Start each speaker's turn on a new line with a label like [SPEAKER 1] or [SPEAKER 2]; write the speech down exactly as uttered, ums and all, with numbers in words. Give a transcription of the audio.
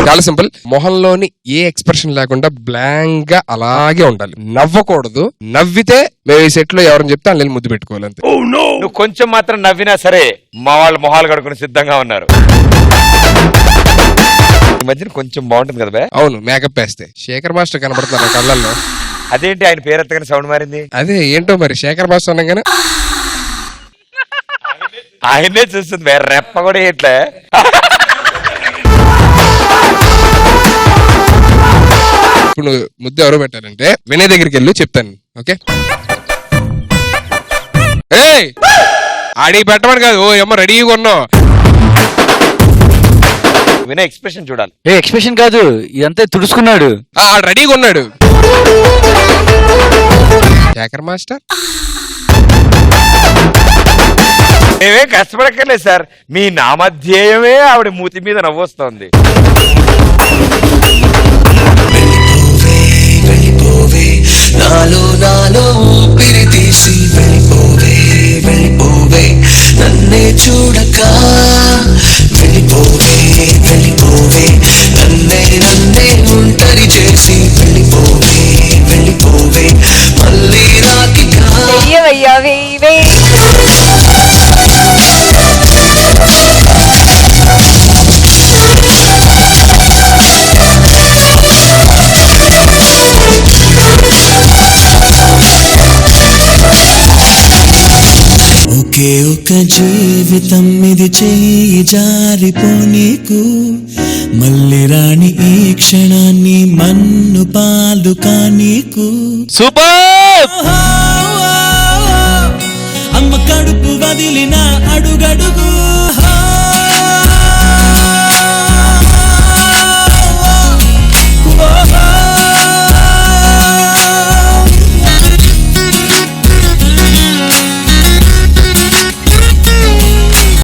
[SPEAKER 1] చాలా సింపుల్. మొహంలోని ఏ ఎక్స్ప్రెషన్ లేకుండా బ్లాంక్ గా అలాగే ఉండాలి, నవ్వకూడదు. నవ్వితే మేము ఈ సెట్ లో ఎవరైనా చెప్తే అందులో ముద్దు పెట్టుకోవాలి అంతే.
[SPEAKER 2] నువ్వు కొంచెం మాత్రం నవ్వినా సరే మా వాళ్ళు మొహాలు కడుకుని సిద్ధంగా ఉన్నారు. ఈ మధ్యన కొంచెం బాగుంటుంది కదా బే.
[SPEAKER 1] అవును, మేకప్ వేస్తే శేఖర్ మాస్టర్ కనబడుతున్నారు కళ్ళల్లో.
[SPEAKER 2] అదేంటి ఆయన పేరు ఎత్తగానే సౌండ్ మారింది?
[SPEAKER 1] అదే ఏంటో మరి, శేఖర్ మాస్టర్ అనగానే
[SPEAKER 2] ఆయనే చూస్తుంది వేరే రెప్ప కూడా ఇట్లా.
[SPEAKER 1] ఇప్పుడు నువ్వు ముద్దు ఎవరో పెట్టారంటే వినయ్ దగ్గరికి వెళ్ళి చెప్తాను. ఓకే, ఏయ్ ఆడికి పెట్టమని కాదు, ఓ ఏమో రెడీగా ఉన్నావు.
[SPEAKER 2] వినయ్ ఎక్స్ప్రెషన్ చూడాలి.
[SPEAKER 3] ఏ ఎక్స్ప్రెషన్ కాదు, ఇదంతా తుడుచుకున్నాడు,
[SPEAKER 1] రెడీగా ఉన్నాడు శేఖర్ మాస్టర్.
[SPEAKER 2] మేమే కష్టపడక్కర్లేదు సార్, మీ నామధ్యేయమే ఆవిడ మూతి మీద నవ్వొస్తోంది.
[SPEAKER 4] నాలో నాలో ఊపిరి తీసి వెళ్ళిపోవే వెళ్ళిపోవే నన్నే చూడక వెళ్ళిపోవే వెళ్ళిపోవే నన్నే నన్నే ఒంటరి చేసి వెళ్ళిపోవే వెళ్ళిపోవే మళ్ళీ రాకిగా
[SPEAKER 5] వెయ్యవయ్యా వెయ్యి వెయ్యి.
[SPEAKER 4] ఒకే ఒక జీవితం ఇది చేయి జారిపోనీకు మళ్ళీ రాణి ఈ క్షణాన్ని మన్ను పాలు కానీకు.
[SPEAKER 3] సూపర్.
[SPEAKER 4] అమ్మ కడుపు వదిలిన అడుగడుగు